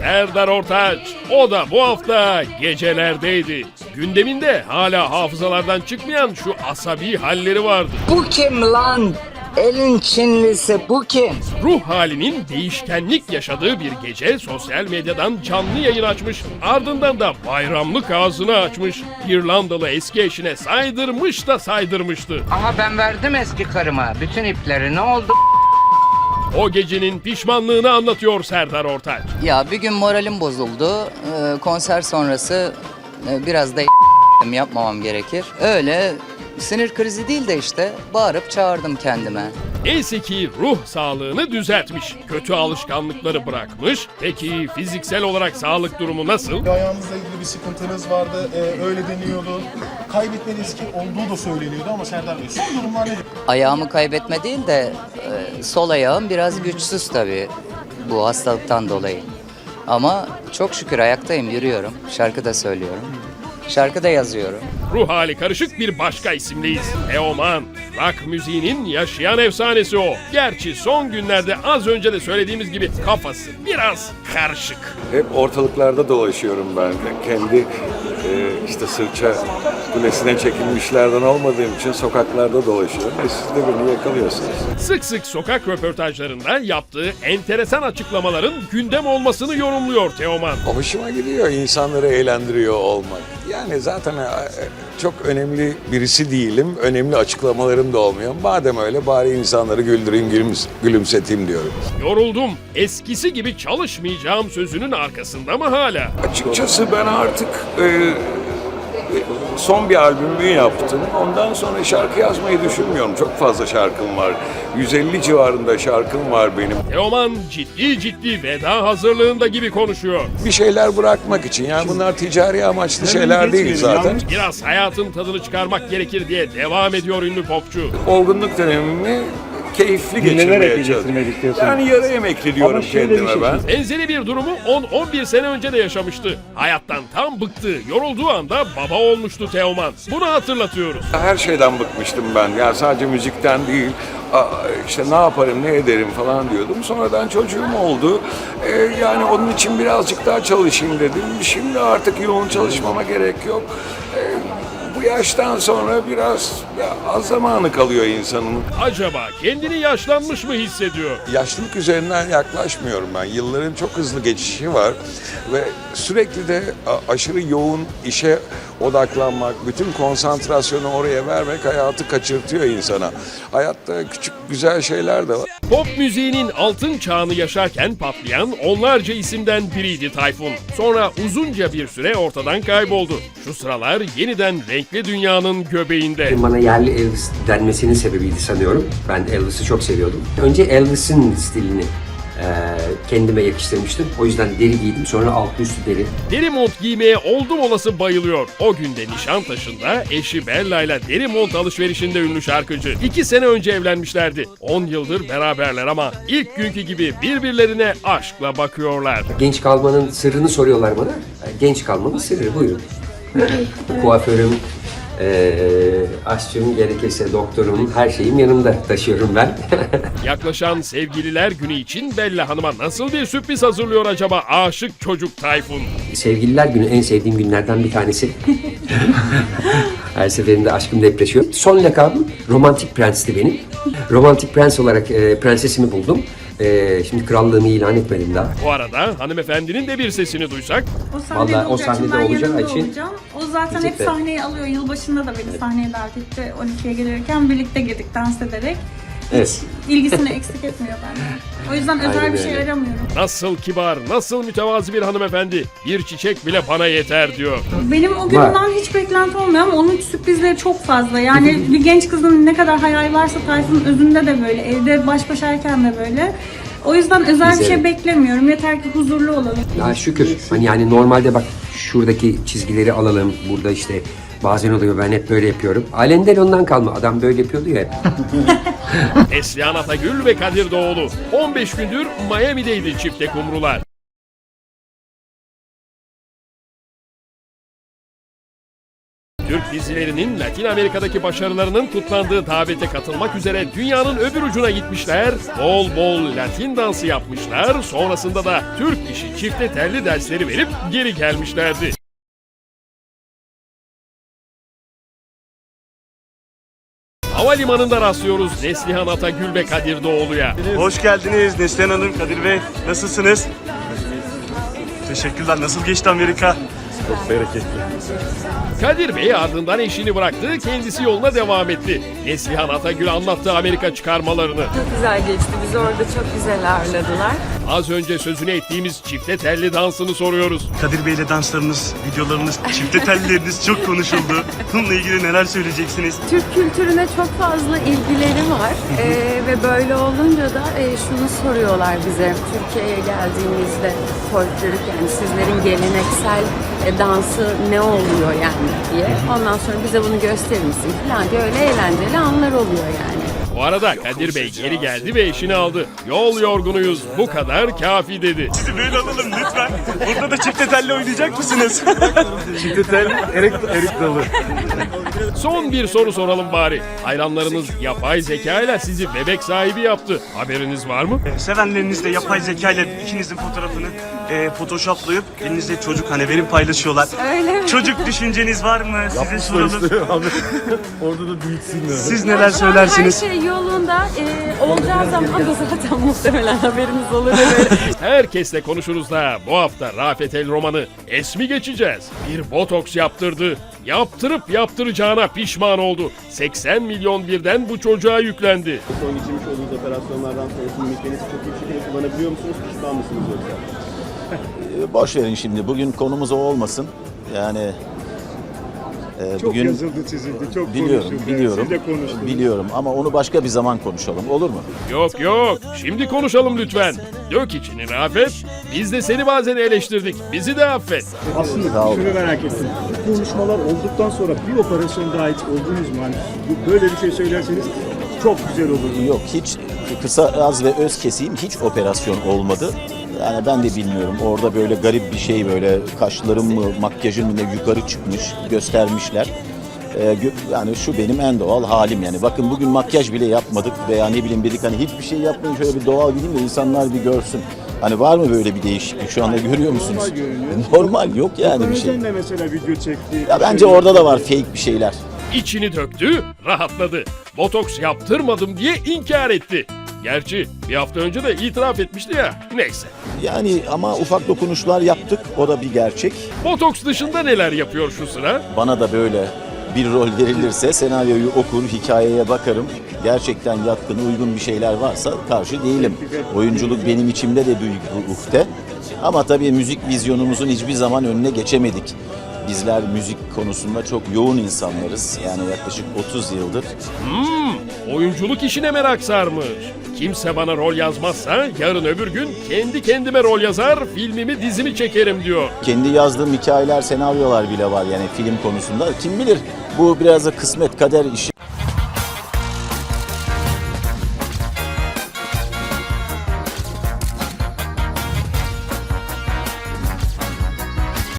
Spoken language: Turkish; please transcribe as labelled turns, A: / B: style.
A: Serdar Ortaç. O da bu hafta gecelerdeydi. Gündeminde hala hafızalardan çıkmayan şu asabi halleri vardı.
B: Bu kim lan? Elin Çinlisi bu kim?
A: Ruh halinin değişkenlik yaşadığı bir gece sosyal medyadan canlı yayın açmış. Ardından da bayramlık ağzını açmış. İrlandalı eski eşine saydırmış da saydırmıştı.
B: Ama ben verdim eski karıma bütün ipleri, ne oldu?
A: O gecenin pişmanlığını anlatıyor Serdar Ortaç.
C: Ya bir gün moralim bozuldu. Konser sonrası biraz da yapmamam gerekir. Öyle sinir krizi değil de işte bağırıp çağırdım kendime.
A: Neyse ki ruh sağlığını düzeltmiş. Kötü alışkanlıkları bırakmış. Peki fiziksel olarak sağlık durumu nasıl?
D: Ayağınızla ilgili bir sıkıntınız vardı, öyle deniyordu. Kaybetme riski olduğu da söyleniyordu ama Serdar Bey son durumlar nedir?
C: Ayağımı kaybetme değil de sol ayağım biraz güçsüz tabii bu hastalıktan dolayı. Ama çok şükür ayaktayım, yürüyorum. Şarkı da söylüyorum. Şarkı da yazıyorum.
A: Ruh hali karışık bir başka isimliyiz. Teoman. Rock müziğinin yaşayan efsanesi o. Gerçi son günlerde az önce de söylediğimiz gibi kafası biraz karışık.
E: Hep ortalıklarda dolaşıyorum ben. Kendi işte sırça kulesine çekilmişlerden olmadığım için sokaklarda dolaşıyorum. Ve siz de beni yakalıyorsunuz.
A: Sık sık sokak röportajlarında yaptığı enteresan açıklamaların gündem olmasını yorumluyor Teoman.
E: Hoşuma gidiyor insanları eğlendiriyor olmak. Yani zaten çok önemli birisi değilim. Önemli açıklamalarım da olmuyor. Madem öyle bari insanları güldüreyim, gülümseteyim diyorum.
A: Yoruldum. Eskisi gibi çalışmayacağım sözünün arkasında mı hala?
E: Açıkçası ben artık son bir albümümü yaptım. Ondan sonra şarkı yazmayı düşünmüyorum. Çok fazla şarkım var. 150 civarında şarkım var benim.
A: Teoman ciddi veda hazırlığında gibi konuşuyor.
E: Bir şeyler bırakmak için. Yani bunlar ticari amaçlı şeyler değil zaten.
A: Biraz hayatın tadını çıkarmak gerekir diye devam ediyor ünlü popçu.
E: Olgunluk dönemimi keyifli geçirmeye çalışıyorum. Yani yarı emekli diyorum kendime ben.
A: Benzeri bir durumu 10-11 sene önce de yaşamıştı. Hayattan tam bıktığı, yorulduğu anda baba olmuştu Teoman. Bunu hatırlatıyoruz.
E: Her şeyden bıkmıştım ben. Yani sadece müzikten değil. İşte ne yaparım, ne ederim falan diyordum. Sonradan çocuğum oldu. Yani onun için birazcık daha çalışayım dedim. Şimdi artık yoğun çalışmama gerek yok. Bu yaştan sonra biraz az zamanı kalıyor insanın.
A: Acaba kendini yaşlanmış mı hissediyor?
E: Yaşlılık üzerinden yaklaşmıyorum ben. Yılların çok hızlı geçişi var ve sürekli de aşırı yoğun işe odaklanmak, bütün konsantrasyonu oraya vermek hayatı kaçırtıyor insana. Hayatta küçük güzel şeyler de var.
A: Pop müziğinin altın çağını yaşarken patlayan onlarca isimden biriydi Tayfun. Sonra uzunca bir süre ortadan kayboldu. Şu sıralar yeniden renkli dünyanın göbeğinde.
F: Bana yerli Elvis denmesinin sebebiydi sanıyorum. Ben Elvis'i çok seviyordum. Önce Elvis'in stilini kendime yakıştırmıştım. O yüzden deri giydim. Sonra altı üstü deri.
A: Deri mont giymeye oldum olası bayılıyor. O günde Nişantaşı'nda eşi Bella ile deri mont alışverişinde ünlü şarkıcı. 2 sene önce evlenmişlerdi. 10 yıldır beraberler ama ilk günkü gibi birbirlerine aşkla bakıyorlar.
F: Genç kalmanın sırrını soruyorlar bana. Genç kalmanın sırrı buyurun. Kuaförüm, aşçım, gerekirse doktorum, her şeyim yanımda taşıyorum ben.
A: Yaklaşan sevgililer günü için Bella Hanım'a nasıl bir sürpriz hazırlıyor acaba aşık çocuk Tayfun?
F: Sevgililer günü en sevdiğim günlerden bir tanesi. Her seferinde aşkım depreşiyor. Son lakabım Romantik Prens'ti benim. Romantik Prens olarak prensesimi buldum. Şimdi krallığımı ilan etmedim daha.
A: Bu arada hanımefendinin de bir sesini duysak.
F: Vallahi o sahnede olacağı için
G: olacağım. O zaten hep sahneyi alıyor. Yılbaşında da beni sahneye davet etti. 12'ye gelirken birlikte girdik dans ederek.
F: evet.
G: İlgisini eksik etmiyor benden. O yüzden özel
F: Aynen
G: bir şey
F: öyle.
G: aramıyorum.
A: Nasıl kibar, nasıl mütevazi bir hanımefendi. Bir çiçek bile bana yeter diyor.
G: Benim o günden hiç beklenti olmuyor ama onun sürprizleri çok fazla. Yani bir genç kızın ne kadar hayal varsa Tayfun'un özünde de böyle. Evde baş başayken de böyle. O yüzden özel bir şey beklemiyorum. Yeter ki huzurlu olalım.
F: Ya şükür. Hani yani normalde bak şuradaki çizgileri alalım. Burada işte bazen oluyor, ben hep böyle yapıyorum. Alenden ondan kalma. Adam böyle yapıyordu ya hep.
A: Neslihan Atagül ve Kadir Doğulu. 15 gündür Miami'deydi çifte kumrular. Türk dizilerinin Latin Amerika'daki başarılarının kutlandığı davete katılmak üzere dünyanın öbür ucuna gitmişler, bol bol Latin dansı yapmışlar, sonrasında da Türk işi çifte telli dersleri verip geri gelmişlerdi. Havalimanında rastlıyoruz Neslihan Atagül ve Kadir Doğulu'ya.
H: Hoş geldiniz Neslihan Hanım, Kadir Bey. Nasılsınız? Teşekkürler. Nasıl geçti Amerika? Çok bereketli.
A: Kadir Bey ardından eşini bıraktı, kendisi yoluna devam etti. Neslihan Atagül anlattı Amerika çıkarmalarını.
I: Çok güzel geçti. Bizi orada çok güzel ağırladılar.
A: Az önce sözünü ettiğimiz çifte telli dansını soruyoruz.
H: Kadir Bey'le danslarınız, videolarınız, çifte tellileriniz çok konuşuldu. Bununla ilgili neler söyleyeceksiniz?
I: Türk kültürüne çok fazla ilgileri var. Ve böyle olunca da şunu soruyorlar bize. Türkiye'ye geldiğimizde folklorik, yani sizlerin geleneksel dansı ne oluyor yani diye. Ondan sonra bize bunu gösterir misin falan diye, öyle eğlenceli anlar oluyor yani.
A: Bu arada Kadir Bey geri geldi ve eşini aldı. Yol yorgunuyuz, bu kadar kafi dedi.
H: Sizi böyle alalım lütfen. Burada da çifte telli oynayacak mısınız? Çifte telli, erik dalı.
A: Son bir soru soralım bari. Hayranlarınız yapay zeka ile sizi bebek sahibi yaptı. Haberiniz var mı?
H: Sevenlerinizle yapay zeka ile ikinizin fotoğrafını photoshoplayıp elinizde çocuk hani benim paylaşıyorlar.
I: Öyle mi?
H: Çocuk düşünceniz var mı? Size soralım.
D: Orada da büyüksünler.
H: Siz neler söylersiniz?
I: Her şey yolunda. Olacağı zaman da zaten muhtemelen haberiniz olur. Böyle.
A: Herkesle konuşuruz da bu hafta Rafet El Roman'ı es mi geçeceğiz? Bir botoks yaptırdı. Yaptırıp yaptıracağına pişman oldu. 80 milyon birden bu çocuğa yüklendi.
J: Son geçirmiş olduğunuz operasyonlardan sonra mimiklerinizi çok iyi bir şekilde kullanabiliyor musunuz? Pişman mısınız yoksa?
K: Boş verin şimdi. Bugün konumuz o olmasın. Yani
J: Çok
K: bugün
J: yazıldı, çizildi, çok
K: biliyorum,
J: konuşuldu.
K: biliyorum.
J: Siz de konuştunuz.
K: Biliyorum ama onu başka bir zaman konuşalım. Olur mu?
A: Yok yok, şimdi konuşalım lütfen. Dök içini Rafet. Biz de seni bazen eleştirdik. Bizi de affet.
J: Aslında
K: Sağ olun.
J: şunu merak ettim. Bu konuşmalar olduktan sonra bir operasyon daha hiç oldunuz mu? Hani böyle bir şey söylerseniz çok güzel olur.
K: Yok, hiç kısa, az ve öz keseyim, hiç operasyon olmadı. Yani ben de bilmiyorum. Orada böyle garip bir şey, böyle kaşlarım mı, makyajım mı ne yukarı çıkmış, göstermişler. Yani şu benim en doğal halim yani. Bakın bugün makyaj bile yapmadık veya ne bileyim dedik hani hiçbir şey yapmayın, şöyle bir doğal gideyim de insanlar bir görsün. Hani var mı böyle bir değişiklik şu anda, görüyor musunuz?
J: Normal görünüyor.
K: Normal, yok yani bir şey.
J: Özen de mesela video çekti.
K: Ya bence orada da var fake bir şeyler.
A: İçini döktü, rahatladı. Botoks yaptırmadım diye inkar etti. Gerçi bir hafta önce de itiraf etmişti ya. Neyse.
K: Yani ama ufak dokunuşlar yaptık, o da bir gerçek.
A: Botoks dışında neler yapıyor şu sıra?
K: Bana da böyle bir rol verilirse senaryoyu okur, hikayeye bakarım. Gerçekten yatkın, uygun bir şeyler varsa karşı değilim. Oyunculuk benim içimde de büyük bir uhde. Ama tabii müzik vizyonumuzun hiçbir zaman önüne geçemedik. Bizler müzik konusunda çok yoğun insanlarız. Yani yaklaşık 30 yıldır.
A: Oyunculuk işine merak sarmış. Kimse bana rol yazmazsa yarın öbür gün kendi kendime rol yazar, filmimi dizimi çekerim diyor.
K: Kendi yazdığım hikayeler, senaryolar bile var yani film konusunda. Kim bilir, bu biraz da kısmet, kader işi.